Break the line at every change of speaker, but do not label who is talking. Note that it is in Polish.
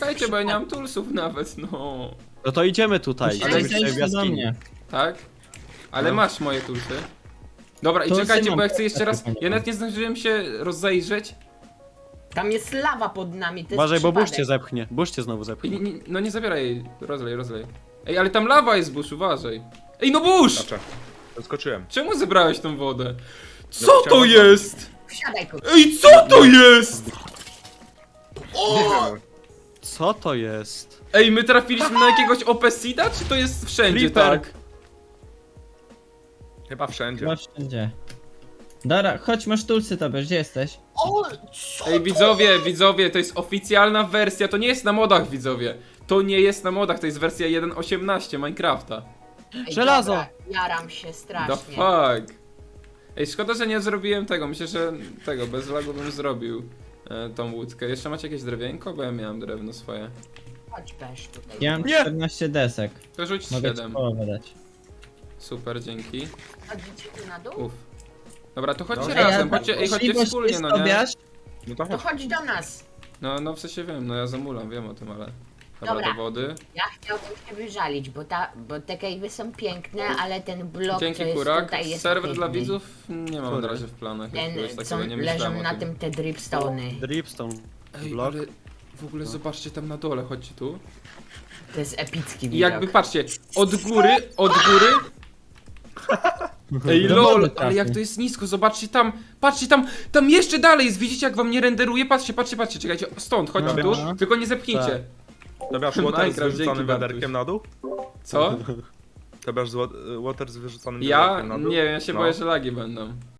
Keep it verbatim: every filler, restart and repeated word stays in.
czekajcie, bo ja nie mam toolsów nawet, no.
No to idziemy tutaj.
Ale
idziemy tutaj w
zejdź do
jaskini.
mnie.
Tak? Ale
No.
masz moje toolsy. Dobra, i
Toolsy
czekajcie,
mam,
bo ja chcę jeszcze raz...
takie
Ja nawet nie zdążyłem się rozejrzeć.
Tam jest lawa pod nami, to jest
Uważaj, bo burz cię
przypadek.
zepchnie. Burz cię znowu
I,
zepchnie.
nie, nie, no nie zabieraj jej, rozlej, rozlej. Ej, ale tam lawa jest, Bush, uważaj. Ej, no Bush!
Znaczy, zaskoczyłem.
Czemu zebrałeś tą wodę? Co
No,
to
chciałem-
jest?
Wsiadaj, kurwa.
Ej, co to jest?
Nie wiem.
Co to jest?
Ej, my trafiliśmy na jakiegoś opesida, czy to jest wszędzie
Creeper.
tak?
Chyba wszędzie.
Chyba wszędzie. Dobra, chodź, masz tulsy tobie, gdzie jesteś?
O, co
Ej,
to
widzowie,
jest?
widzowie, to jest oficjalna wersja, to nie jest na modach, widzowie. To nie jest na modach, to jest wersja jeden osiemnaście Minecrafta.
Ej,
Żelazo.
dobra, Jaram się
The
strasznie.
fuck? Ej, szkoda, że nie zrobiłem tego, myślę, że tego, bez lagu bym zrobił e, tą łódkę. Jeszcze macie jakieś drewienko? Bo ja miałem drewno swoje.
Chodź, Pesz, tutaj.
Ja mam
Nie.
czternaście desek.
To rzuć
Mogę ci
siedem.
połowę dać.
Super, dzięki.
Chodzicie tu na dół?
Uff. Dobra, to chodźcie
No.
razem,
Ej, a
chodźcie, ej, chodźcie
możliwość
wspólnie,
jest,
no nie?
Tobiasz?
No to
To
chodź.
chodź do nas.
No, no w sensie wiem, no ja zamulam, wiem o tym, ale... Dobra,
Dobra.
do wody.
Ja chciałbym się wyżalić, bo, ta, bo te cave'y są piękne, ale ten blok, co
Dzięki
jest
Kurak.
tutaj, jest
Serwer dla
biedny.
widzów nie mam na
Który?
razie w planach,
Ten,
jakiegoś
co
takiego nie
leżą
myślałem o
na
tym.
tym te dripstone'y.
Dripstone.
Ej,
Blok.
ale w ogóle zobaczcie tam na dole, chodźcie tu.
To jest epicki
I
widok.
jakby, patrzcie, od góry, od góry... Ej,
Do
lol,
wody
ale jak
trafi.
to jest nisko, zobaczcie tam, patrzcie tam, tam jeszcze dalej jest, widzicie jak wam nie renderuje? Patrzcie, patrzcie, patrzcie, czekajcie, stąd, chodźcie tu,
Dobra.
tylko nie zepchnijcie.
To masz water z
Minecraft, dzięki,
wyrzuconym
Bartuś.
wiaderkiem na dół?
Co?
To masz zło- water z wyrzuconym
Ja?
wiaderkiem na dół?
Nie, ja się
No.
boję, że lagi będą.